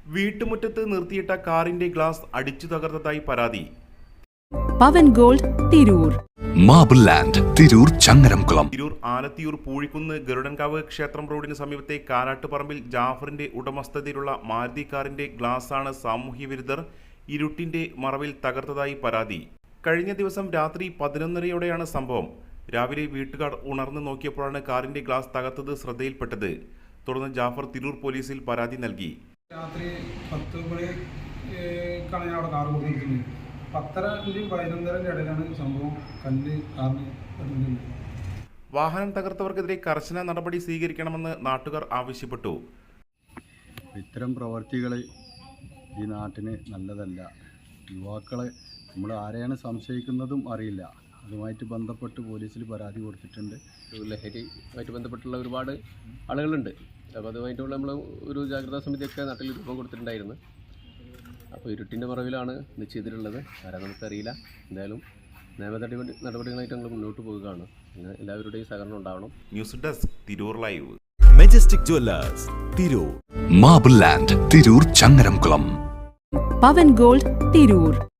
വീട്ടുമുറ്റത്ത് നിർത്തിയിട്ട കാറിന്റെ ഗ്ലാസ് അടിച്ചു തകർത്തതായി പരാതി. Pavan gold Tirur. Marble land Tirur Changaramkulam. Tirur Alathiyur Poozhikkunnu Garudankavu ക്ഷേത്രം റോഡിന് സമീപത്തെ കാരാട്ടുപറമ്പിൽ ജാഫറിന്റെ ഉടമസ്ഥതയിലുള്ള മാരുതി കാറിന്റെ ഗ്ലാസാണ് സാമൂഹ്യ വിരുദ്ധർ ഇരുട്ടിന്റെ മറവിൽ തകർത്തതായി പരാതി. കഴിഞ്ഞ ദിവസം രാത്രി 11:30യോടെയാണ് സംഭവം. രാവിലെ വീട്ടുകാർ ഉണർന്നു നോക്കിയപ്പോഴാണ് കാറിന്റെ ഗ്ലാസ് തകർത്തത് ശ്രദ്ധയിൽപ്പെട്ടത്. തുടർന്ന് ജാഫർ തിരൂർ പോലീസിൽ പരാതി നൽകി. രാത്രി 10 മണിക്കാണ് ഞാൻ അവിടെ കാർ കൊടുത്തിരിക്കുന്നത്. 10:30 11:30 ഇടയിലാണ് സംഭവം. കല്ല് കാറിന് വാഹനം തകർത്തവർക്കെതിരെ കർശന നടപടി സ്വീകരിക്കണമെന്ന് നാട്ടുകാർ ആവശ്യപ്പെട്ടു. ഇത്തരം പ്രവർത്തികൾ ഈ നാട്ടിന് നല്ലതല്ല. യുവാക്കളെ നമ്മൾ ആരെയാണ് സംശയിക്കുന്നതും അറിയില്ല. അതുമായിട്ട് ബന്ധപ്പെട്ട് പോലീസിൽ പരാതി കൊടുത്തിട്ടുണ്ട്. ലഹരിയുമായിട്ട് ബന്ധപ്പെട്ടുള്ള ഒരുപാട് ആളുകളുണ്ട്. അപ്പോൾ അതുമായിട്ടുള്ള നമ്മൾ ഒരു ജാഗ്രതാ സമിതിയൊക്കെ നാട്ടിൽ രൂപം കൊടുത്തിട്ടുണ്ടായിരുന്നു. അപ്പോൾ ഇരുട്ടിൻ്റെ മറവിലാണ് ഇത് ചെയ്തിട്ടുള്ളത്. ആരാ നമുക്കറിയില്ല. എന്തായാലും നിയമ നടപടികളായിട്ട് ഞങ്ങൾ മുന്നോട്ട് പോവുകയാണ്. എല്ലാവരുടെയും സഹകരണം ഉണ്ടാവണം. News desk Tirur live. Majestic jewellers Tirur. Marble land Tirur Changaramkulam. Pavan gold Tirur.